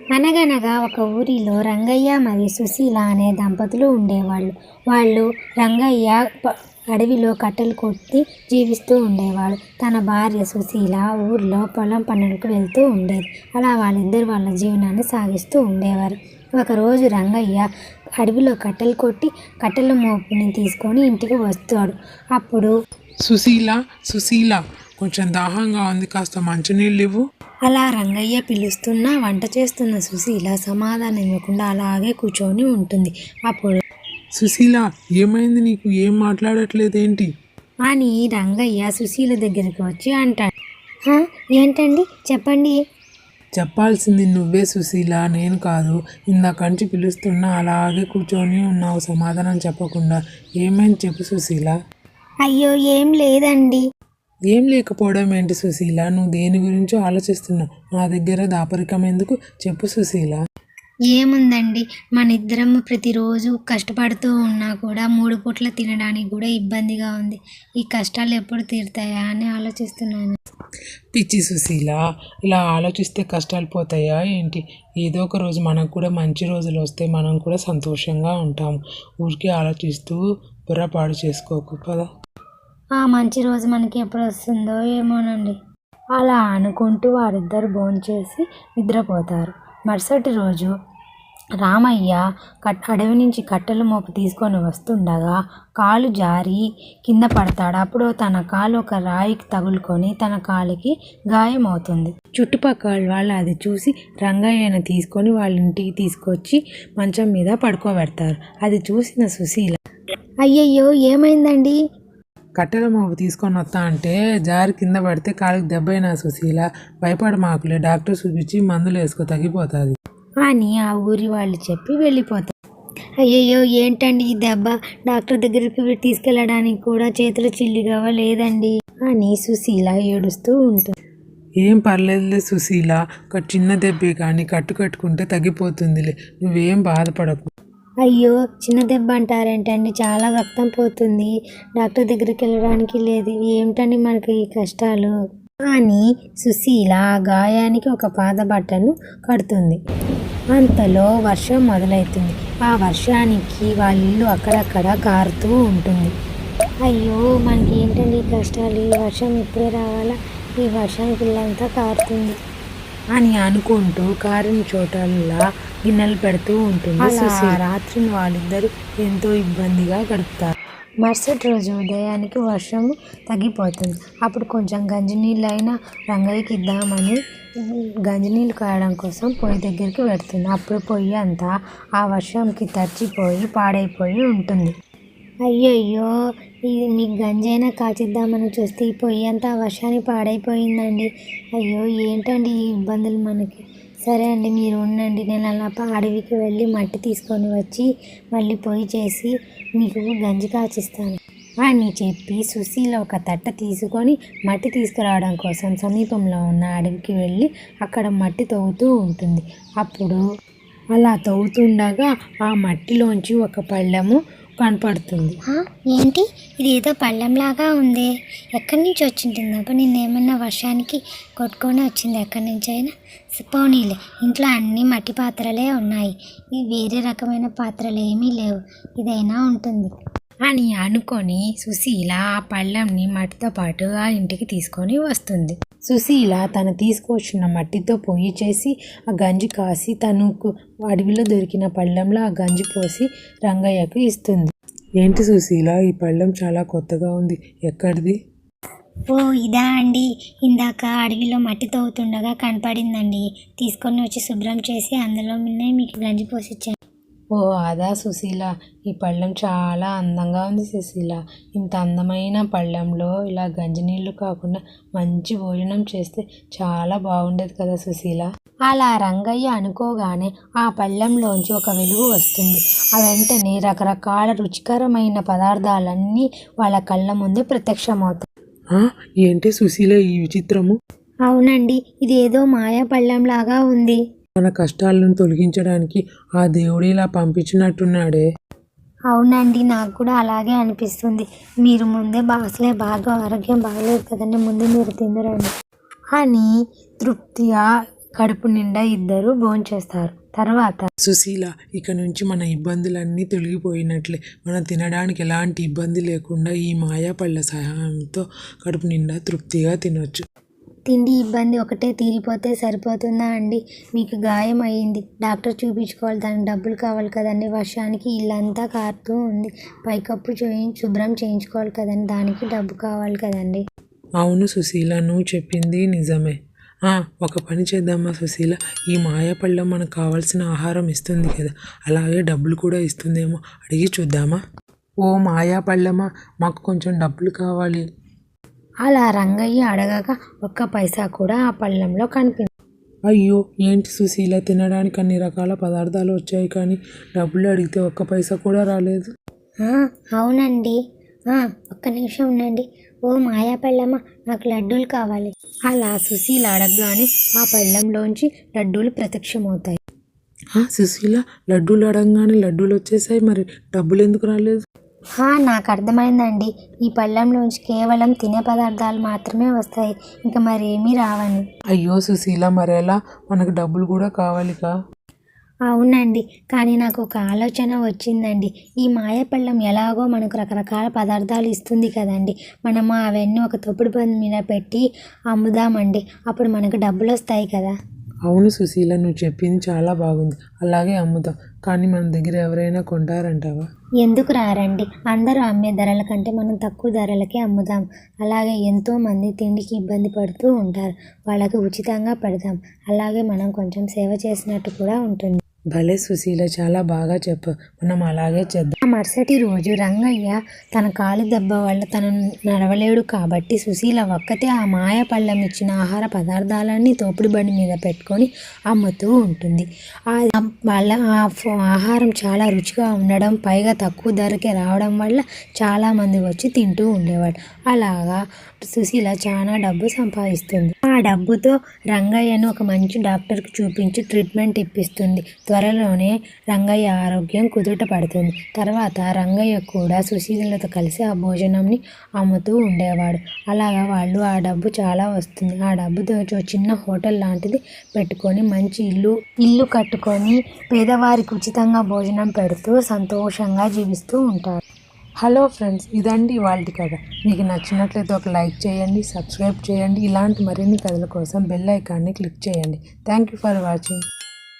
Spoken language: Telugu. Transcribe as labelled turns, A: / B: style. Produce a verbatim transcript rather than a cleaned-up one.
A: అనగనగా ఒక ఊరిలో రంగయ్య మరియు సుశీల అనే దంపతులు ఉండేవాళ్ళు. వాళ్ళు రంగయ్య ప- అడవిలో కట్టెలు కొట్టి జీవిస్తూ ఉండేవాడు. తన భార్య సుశీల ఊర్లో పొలం పనులకు వెళ్తూ ఉండేది. అలా వాళ్ళిద్దరు వాళ్ళ జీవనాన్ని సాగిస్తూ ఉండేవారు. ఒకరోజు రంగయ్య అడవిలో కట్టెలు కొట్టి కట్టెల మోపుని తీసుకొని ఇంటికి వస్తాడు. అప్పుడు
B: సుశీల సుశీల కొంచెం దాహంగా ఉంది, కాస్త మంచినీళ్ళు ఇవ్వు.
A: అలా రంగయ్య పిలుస్తున్నా వంట చేస్తున్న సుశీల సమాధానం ఇవ్వకుండా అలాగే కూర్చొని ఉంటుంది. అప్పుడు
B: సుశీల, ఏమైంది నీకు? ఏం మాట్లాడట్లేదేంటి?
A: అని రంగయ్య సుశీల దగ్గరికి వచ్చి అంటాడు. "హా, ఏంటండి చెప్పండి."
B: చెప్పాల్సింది నువ్వే సుశీల, నేను కాదు. ఇందాకంచి పిలుస్తున్నా అలాగే కూర్చొని ఉన్నావు సమాధానం చెప్పకుండా. ఏమైంది చెప్పు సుశీల.
A: అయ్యో ఏం లేదండి.
B: ఏం లేకపోవడం ఏంటి సుశీల? నువ్వు దేని గురించో ఆలోచిస్తున్నావు. నా దగ్గర దాపరికం ఎందుకు? చెప్పు సుశీల.
A: ఏముందండి, మన ఇద్దరము ప్రతిరోజు కష్టపడుతూ ఉన్నా కూడా మూడు పూట్ల తినడానికి కూడా ఇబ్బందిగా ఉంది. ఈ కష్టాలు ఎప్పుడు తీరుతాయా అని ఆలోచిస్తున్నాను.
B: పిచ్చి సుశీల, ఇలా ఆలోచిస్తే కష్టాలు పోతాయా ఏంటి? ఏదో ఒక రోజు మనకు కూడా మంచి రోజులు వస్తే మనం కూడా సంతోషంగా ఉంటాము. ఊరికే ఆలోచిస్తూ బుర్రపాడు చేసుకోకు పదా.
A: ఆ మంచి రోజు మనకి ఎప్పుడు వస్తుందో ఏమోనండి. అలా అనుకుంటూ వారిద్దరు భోంచేసి నిద్రపోతారు. మరుసటి రోజు రామయ్య కట్ అడవి నుంచి కట్టెల మోపు తీసుకొని వస్తుండగా కాలు జారి కింద పడతాడు. అప్పుడు తన కాలు ఒక రాయికి తగులుకొని తన కాలుకి గాయమవుతుంది. చుట్టుపక్కల వాళ్ళు అది చూసి రంగయ్యను తీసుకొని వాళ్ళ ఇంటికి తీసుకొచ్చి మంచం మీద పడుకోబెడతారు. అది చూసిన సుశీల, అయ్యయ్యో ఏమైందండి?
B: కట్టెల మోపు తీసుకొని వస్తా అంటే జారి కింద పడితే కాలుకి దెబ్బైనా సుశీల. భయపడ మాకులే, డాక్టర్ చూపించి మందులు వేసుకో, తగ్గిపోతుంది
A: అని ఆ ఊరి వాళ్ళు చెప్పి వెళ్ళిపోతారు. అయ్యయ్యో ఏంటండి ఈ దెబ్బ? డాక్టర్ దగ్గరికి తీసుకెళ్ళడానికి కూడా చేతులు చిల్లిగా లేదండి అని సుశీల ఏడుస్తూ ఉంటుంది.
B: ఏం పర్లేదులే సుశీల, ఒక చిన్న దెబ్బే కానీ కట్టు కట్టుకుంటే తగ్గిపోతుందిలే, నువ్వేం బాధపడకు.
A: అయ్యో చిన్న దెబ్బ అంటారేంటండి? చాలా రక్తం పోతుంది, డాక్టర్ దగ్గరికి వెళ్ళడానికి లేదు. ఏమిటండి మనకి ఈ కష్టాలు అని సుశీల ఆ గాయానికి ఒక పాద బట్టను కడుతుంది. అంతలో వర్షం మొదలవుతుంది. ఆ వర్షానికి వాళ్ళ ఇల్లు అక్కడక్కడ కారుతూ ఉంటుంది. అయ్యో మనకి ఏంటండి ఈ కష్టాలు? ఈ వర్షం ఇప్పుడే రావాలా? ఈ వర్షానికి ఇల్లంతా కారుతుంది అని అనుకుంటూ కారిన చోటల్లా గిన్నెలు పెడుతూ ఉంటుంది. అలా రాత్రిని వాళ్ళిద్దరూ ఎంతో ఇబ్బందిగా గడుపుతారు. మరుసటి రోజు ఉదయానికి వర్షం తగ్గిపోతుంది. అప్పుడు కొంచెం గంజినీళ్ళు అయినా రంగయ్యకి ఇద్దామని గంజినీళ్ళు కాయడం కోసం పొయ్యి దగ్గరికి పెడుతుంది. అప్పుడు పొయ్యి అంతా ఆ వర్షంకి తడిచిపోయి పాడైపోయి ఉంటుంది. అయ్యయ్యో, ఇది మీకు గంజైనా కాచిద్దామని చూస్తే ఈ పొయ్యి అంతా వర్షానికి పాడైపోయిందండి. అయ్యో ఏంటండి ఈ ఇబ్బందులు మనకి? సరే అండి, మీరు ఉండండి, నేను అలా అడవికి వెళ్ళి మట్టి తీసుకొని వచ్చి మళ్ళీ పొయ్యి చేసి మీకు గంజి కాచిస్తాను అని చెప్పి సుశీల ఒక తట్ట తీసుకొని మట్టి తీసుకురావడం కోసం సమీపంలో ఉన్న అడవికి వెళ్ళి అక్కడ మట్టి తవ్వుతూ ఉంటుంది. అప్పుడు అలా తవ్వుతుండగా ఆ మట్టిలోంచి ఒక పళ్ళెము కనపడుతుంది. ఏంటి ఇది? ఏదో పళ్ళెంలాగా ఉంది. ఎక్కడి నుంచి వచ్చింటుందబ్బా? నిన్నేమన్నా వర్షానికి కొట్టుకొని వచ్చింది ఎక్కడి నుంచి అయినా? పోనీలే, ఇంట్లో అన్ని మట్టి పాత్రలే ఉన్నాయి, ఇవి వేరే రకమైన పాత్రలు ఏమీ లేవు, ఇదైనా ఉంటుంది అని అనుకొని సుశీల ఆ పళ్ళెంని మట్టితో పాటు ఆ ఇంటికి తీసుకొని వస్తుంది. సుశీల తను తీసుకొచ్చిన మట్టితో పొయ్యి చేసి ఆ గంజి కాసి తనకు అడవిలో దొరికిన పళ్ళెంలో ఆ గంజి పోసి రంగయ్యకు ఇస్తుంది.
B: ఏంటి సుశీల, ఈ పళ్ళెం చాలా కొత్తగా ఉంది, ఎక్కడిది?
A: ఓ ఇదా అండి, ఇందాక అడవిలో మట్టి తవ్వుతుండగా కనపడిందండి, తీసుకొని వచ్చి శుభ్రం చేసి అందులో మిన్నే మీకు గంజి పోసిచ్చాను.
B: ఓ అదా సుశీల, ఈ పళ్ళెం చాలా అందంగా ఉంది సుశీల. ఇంత అందమైన పళ్ళెంలో ఇలా గంజినీళ్ళు కాకుండా మంచి భోజనం చేస్తే చాలా బాగుండేది కదా సుశీల. అలా రంగయ్య అనుకోగానే ఆ పళ్ళెంలోంచి ఒక వెలుగు వస్తుంది. ఆ వెంటనే రకరకాల రుచికరమైన పదార్థాలన్నీ వాళ్ళ కళ్ళ ముందే ప్రత్యక్షమవుతాయి. ఏంటి సుశీల ఈ విచిత్రము?
A: అవునండి, ఇదేదో మాయా పళ్ళెంలాగా ఉంది.
B: మన కష్టాలను తొలగించడానికి ఆ దేవుడు ఇలా పంపించినట్టున్నాడే.
A: అవునండి, నాకు కూడా అలాగే అనిపిస్తుంది. మీరు ముందే అసలే బాగా ఆరోగ్యం బాగలేదు కదండి, ముందు మీరు తిందరండి అని తృప్తిగా కడుపు నిండా ఇద్దరు భోంచేస్తారు. తర్వాత
B: సుశీల, ఇక నుంచి మన ఇబ్బందులన్నీ తొలగిపోయినట్లే. మనం తినడానికి ఎలాంటి ఇబ్బంది లేకుండా ఈ మాయా పళ్ళ సహాయంతో కడుపు నిండా తృప్తిగా తినొచ్చు.
A: తిండి ఇబ్బంది ఒకటే తీరిపోతే సరిపోతుందా అండి? మీకు గాయం అయ్యింది, డాక్టర్ చూపించుకోవాలి, దానికి డబ్బులు కావాలి కదండి. వర్షానికి ఇల్లంతా కారుతూ ఉంది, పైకప్పు చేయి శుభ్రం చేయించుకోవాలి కదండి, దానికి డబ్బు కావాలి కదండి.
B: అవును సుశీల, నువ్వు చెప్పింది నిజమే. ఆ, ఒక పని చేద్దామా సుశీల, ఈ మాయా పళ్ళం మనకు కావాల్సిన ఆహారం ఇస్తుంది కదా, అలాగే డబ్బులు కూడా ఇస్తుందేమో, అడిగి చూద్దామా? ఓ మాయా పళ్ళమా, మాకు కొంచెం డబ్బులు కావాలి.
A: అలా రంగయ్య అడగగా ఒక్క పైసా కూడా ఆ పళ్ళెంలో కనిపించింది.
B: అయ్యో, ఏంటి సుశీల, తినడానికి అన్ని రకాల పదార్థాలు వచ్చాయి కానీ డబ్బులు అడిగితే ఒక్క పైసా కూడా రాలేదు.
A: "ఆ, అవునండి, ఆ, ఒక్క నిమిషం ఉండండి. ఓ మాయా పళ్ళమ్మ, నాకు లడ్డూలు కావాలి." అలా సుశీల అడగగానే ఆ పళ్ళెంలోంచి లడ్డూలు ప్రత్యక్షమవుతాయి.
B: ఆ, సుశీల, లడ్డూలు అడగగానే లడ్డూలు వచ్చేసాయి, మరి డబ్బులు ఎందుకు రాలేదు?
A: "హా, నాకు అర్థమైందండి. ఈ పళ్ళెంలోంచి కేవలం తినే పదార్థాలు మాత్రమే వస్తాయి, ఇంకా మరేమీ రావని."
B: అయ్యో సుశీల, మరెలా? మనకు డబ్బులు కూడా కావాలిగా.
A: అవునండి, కానీ నాకు ఒక ఆలోచన వచ్చిందండి. ఈ మాయపళ్ళం ఎలాగో మనకు రకరకాల పదార్థాలు ఇస్తుంది కదండి, మనము అవన్నీ ఒక తొప్పుడు బండి మీద పెట్టి అమ్ముదామండి, అప్పుడు మనకు డబ్బులు వస్తాయి కదా.
B: అవును సుశీల, నువ్వు చెప్పింది చాలా బాగుంది, అలాగే అమ్ముదాం. కానీ మన దగ్గర ఎవరైనా కొంటారంటావా?
A: ఎందుకు రారండి, అందరూ అమ్మే ధరల కంటే మనం తక్కువ ధరలకే అమ్ముదాం. అలాగే ఎంతోమంది తిండికి ఇబ్బంది పడుతూ ఉంటారు, వాళ్ళకి ఉచితంగా పెడదాం. అలాగే మనం కొంచెం సేవ చేసినట్టు కూడా ఉంటుంది.
B: భలే సుశీల, చాలా బాగా చెప్పు, మనం అలాగే చేద్దాం.
A: ఆ మరుసటి రోజు రంగయ్య తన కాలు దెబ్బ వల్ల తను నడవలేడు కాబట్టి సుశీల ఒక్కతే ఆ మాయ పళ్ళం ఇచ్చిన ఆహార పదార్థాలన్నీ తోపుడు బండి మీద పెట్టుకొని అమ్ముతూ ఉంటుంది. ఆ వాళ్ళ ఆ ఆహారం చాలా రుచిగా ఉండడం, పైగా తక్కువ ధరకే రావడం వల్ల చాలామంది వచ్చి తింటూ ఉండేవాడు. అలాగా సుశీల చాలా డబ్బు సంపాదిస్తుంది. ఆ డబ్బుతో రంగయ్యను ఒక మంచి డాక్టర్కి చూపించి ట్రీట్మెంట్ ఇప్పిస్తుంది. త్వరలోనే రంగయ్య ఆరోగ్యం కుదుట పడుతుంది. తర్వాత రంగయ్య కూడా సుశీలతో కలిసి ఆ భోజనంని అమ్ముతూ ఉండేవాడు. అలాగా వాళ్ళు ఆ డబ్బు చాలా వస్తుంది. ఆ డబ్బుతో చిన్న హోటల్ లాంటిది పెట్టుకొని మంచి ఇల్లు ఇల్లు కట్టుకొని పేదవారికి ఉచితంగా భోజనం పెడుతూ సంతోషంగా జీవిస్తూ ఉంటారు.
B: హలో ఫ్రెండ్స్, ఇదండి ఇవాల్టి కథ. మీకు నచ్చినట్లయితే ఒక లైక్ చేయండి, సబ్స్క్రైబ్ చేయండి. ఇలాంటి మరిన్ని కథల కోసం బెల్ ఐకాన్ని క్లిక్ చేయండి. Thank you for watching.